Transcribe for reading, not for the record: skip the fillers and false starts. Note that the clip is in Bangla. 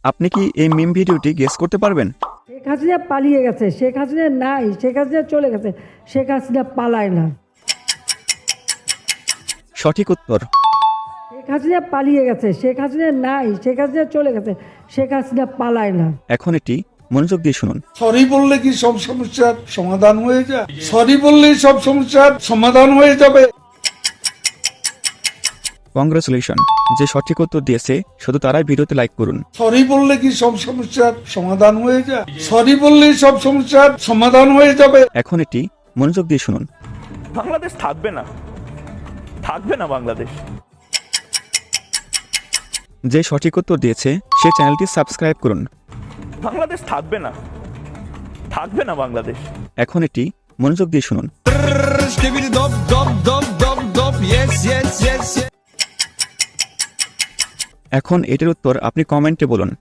আপনি কি এই মিম ভিডিওটি গেস করতে পারবেন? শেখ হাসিনা পালিয়ে গেছে, শেখ হাসিনা নাই, শেখ হাসিনা চলে গেছে, শেখ হাসিনা পালায় না। সঠিক উত্তর। শেখ হাসিনা পালিয়ে গেছে, শেখ হাসিনা নাই, শেখ হাসিনা চলে গেছে, শেখ হাসিনা পালায় না। এখন এটি মনোযোগ দিয়ে শুনুন। সরি বললে কি সব সমস্যার সমাধান হয়ে যায়? সরি বললেই সব সমস্যার সমাধান হয়ে যাবে? কংগ্রেচুলেশন, যে সঠিক উত্তর দিয়েছে শুধু তারাই ভিডিওতে লাইক করুন। সরি বললে কি সব সমস্যার সমাধান হয়ে যায়? সরি বললেই সব সমস্যার সমাধান হয়ে যাবে? এখন এটি মনোযোগ দিয়ে শুনুন। বাংলাদেশ থাকবে না, থাকবে না বাংলাদেশ। যে সঠিক উত্তর দিয়েছে সে চ্যানেলটি সাবস্ক্রাইব করুন। বাংলাদেশ থাকবে না, থাকবে না বাংলাদেশ। এখন এটি মনোযোগ দিয়ে শুনুন। এখন এটির উত্তর আপনি কমেন্টে বলুন।